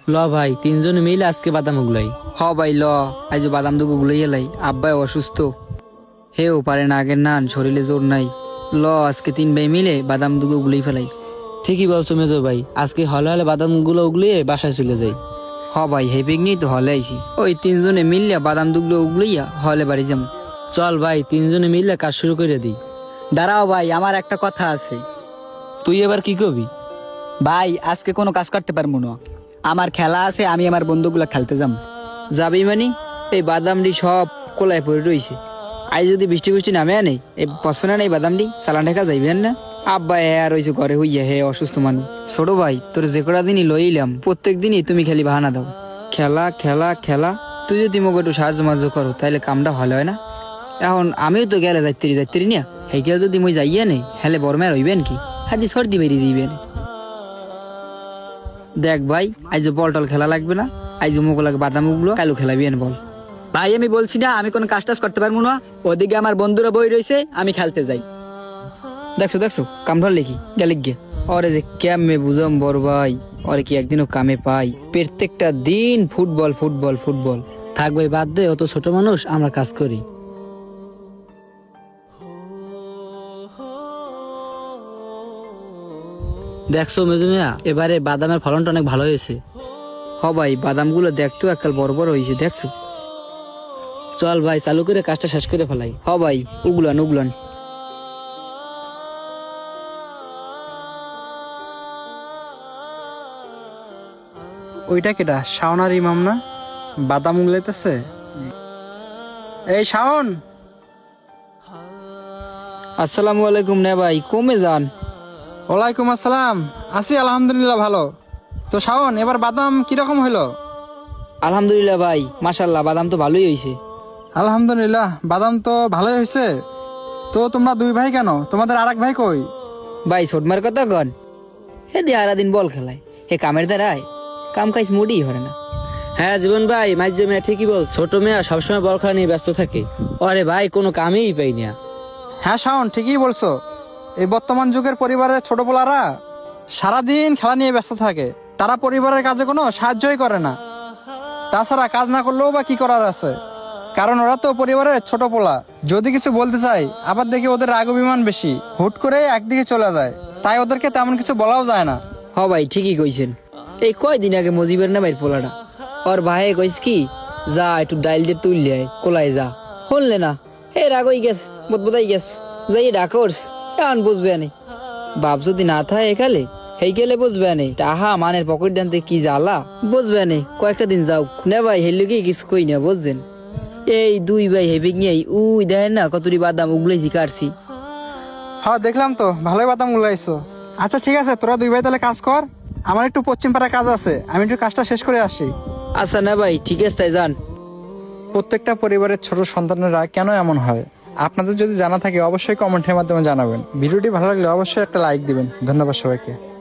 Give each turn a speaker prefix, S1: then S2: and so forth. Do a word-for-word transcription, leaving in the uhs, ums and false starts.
S1: ল ভাই তিনজনে মিলে আজকে বাদাম উগলাই।
S2: হ ভাই ল, আজ বাদাম দুগো গুলাই এলাই, আব্বাই অসুস্থ, হেও পারে না আগের নান, শরীরে জোর নাই। ল আজকে তিন ভাই মিলে বাদাম দুগো গুলাই ফেলাই।
S1: ঠিকই বলছো মেজো ভাই, আজকে হলে হলে বাদাম গুলো উগলিয়ে বাসায় চলে যাই।
S2: হ ভাই হে পিকনিক তো হলে আইছি, ওই তিনজনে মিললে বাদাম দুগলো উগলাইয়া হলে বাড়ি যাম।
S1: চল ভাই তিনজনে মিলে কাজ শুরু করে দিই।
S3: দাঁড়াও ভাই, আমার একটা কথা আছে।
S1: তুই এবার কি করবি?
S3: ভাই আজকে কোনো কাজ করতে পারবো না, আমার খেলা আছে, আমি আমার বন্ধুগুলা খেলতে যাম।
S2: যাবি মানে? এই বাদামটি সব কোলায় পড়ে রইছে, আজ যদি বৃষ্টি বৃষ্টি নামে আনে এই পসপে না এই বাদামটি চালান ঢাকা যাইবেন না। আব্বা হে আর রয়েছে ঘরে হইয়া, হে অসুস্থ মানুষ। ছোট ভাই তোর যে কটা দিনই লইলাম, প্রত্যেক দিনই তুমি খালি বাহানা দাও, খেলা খেলা খেলা। তুই যদি মোক একটু সাহায্য মাহায্য করো তাহলে কামটা ভালো হয় না। এখন আমিও তো গেলে যাইতেরি যাইতেরি না, হেকে যদি মই যাইয়া নেই হেলে বরমে রইবেন কি, হাতি সর্দি বেরিয়ে দিবেন। দেখ ভাই আজ বল টল খেলা লাগবে না, আজ মুখ লাগে বাদাম উগলো, কালু খেলাবিয়েন বল।
S3: ভাই আমি বলছি না আমি কোনো কাজ টাজ করতে পারবো না, ওদিকে আমার বন্ধুরা বই রয়েছে, আমি খেলতে যাই।
S2: দেখছো দেখছো কাম ধর লেখি গেলে গে, ওরে যে কেমনে বুঝাম বড় ভাই, ওরে কি একদিনও কামে পাই, প্রত্যেকটা দিন ফুটবল ফুটবল ফুটবল।
S1: থাক ভাই বাদ দে, অত ছোট মানুষ, আমরা কাজ করি। দেখছো মেজো মিয়া, এবারে বাদামের ফলনটা অনেক ভালো হয়েছে।
S2: হ ভাই বাদাম গুলো দেখতো এককাল বড় বড় হয়েছে, দেখছো।
S1: চল ভাই চালু করে কাজটা শেষ করে ফেলাই।
S2: হ ভাই উগলান উগলান।
S4: ওইটা কেটা? শাওনার ইমাম না? বাদাম উগলাইতেছে। এই শাওন।
S2: আসসালামু আলাইকুম। না ভাই কমে যান।
S4: ওয়ালাইকুম আসসালাম। আছি আলহামদুলিল্লাহ ভালো। তো শাওন এবার বাদাম কিরকম হইলো?
S2: আলহামদুলিল্লাহ ভাই, মাশাল্লাহ বাদাম তো ভালোই হয়েছে।
S4: আলহামদুলিল্লাহ বাদাম তো ভালোই হয়েছে। তো তোমরা দুই ভাই কেন? তোমাদের আর এক ভাই কই?
S2: ভাই ছোটমার কথা গন, হে দিয়ে আরা দিন বল খেলায়, হে কামের দ্বারায় কাম কাজ মুডি হরে না।
S1: হ্যাঁ জীবন ভাই, মাঝে মেয়া ঠিকই বল, ছোট মেয়া সবসময় বল খেলা নিয়ে ব্যস্ত থাকে। আরে ভাই কোনো কামেই পাই না।
S4: হ্যাঁ শাওন ঠিকই বলছো, এই বর্তমান যুগের পরিবারের ছোট পোলারা সারাদিন খেলা নিয়ে ব্যস্ত থাকে, তারা পরিবারের কাজে কোনো সাহায্যই করে না। তাছাড়া কাজ না করলেও বা কি করার আছে, কারণ ওরা তো পরিবারের ছোট পোলা। যদি কিছু বলতে চাই আবার দেখি ওদের রাগ অভিমান বেশি, হুট করে একদিকে চলে যায়, তাই ওদেরকে তেমন কিছু বলাও যায় না।
S2: হ ভাই ঠিকই কইছেন। এই কয়দিন আগে মজিবের না ভাইয়ের পোলাটা, ওর ভাই কইস কি যা একটু ডাইল দিয়ে তুললে আয় কোলায় যা, শুনলে না, হে রাগ হয়ে গেছ, বোধবোধাই গেছ, যাই ডাকর্স এখন বুঝবে নে। বাপ যদি না থাকে এখালে হেই গেলে বুঝবে নে, টাহা মানের পকেট দানতে কি জ্বালা বুঝবে নে। কয়েকটা দিন যাও না ভাই, হেললে কি কিছু কই না বুঝছেন। এই দুই ভাই হেবিক নিয়ে উই দেখেন না কতটি বাদাম উগলাইছি কাটছি।
S4: হ্যাঁ দেখলাম তো, ভালোই বাদাম উলাইছো। আচ্ছা ঠিক আছে, তোরা দুই ভাই তাহলে কাজ কর, আমার একটু পশ্চিম পাড়ায় কাজ আছে, আমি একটু কাজটা শেষ করে আসি।
S2: আচ্ছা না ভাই ঠিক আছে তাই যান।
S4: প্রত্যেকটা পরিবারের ছোট সন্তানেরা কেন এমন হয়, আপনাদের যদি জানা থাকে অবশ্যই কমেন্টের মাধ্যমে জানাবেন। ভিডিওটি ভালো লাগলে অবশ্যই একটা লাইক দিবেন। ধন্যবাদ সবাইকে।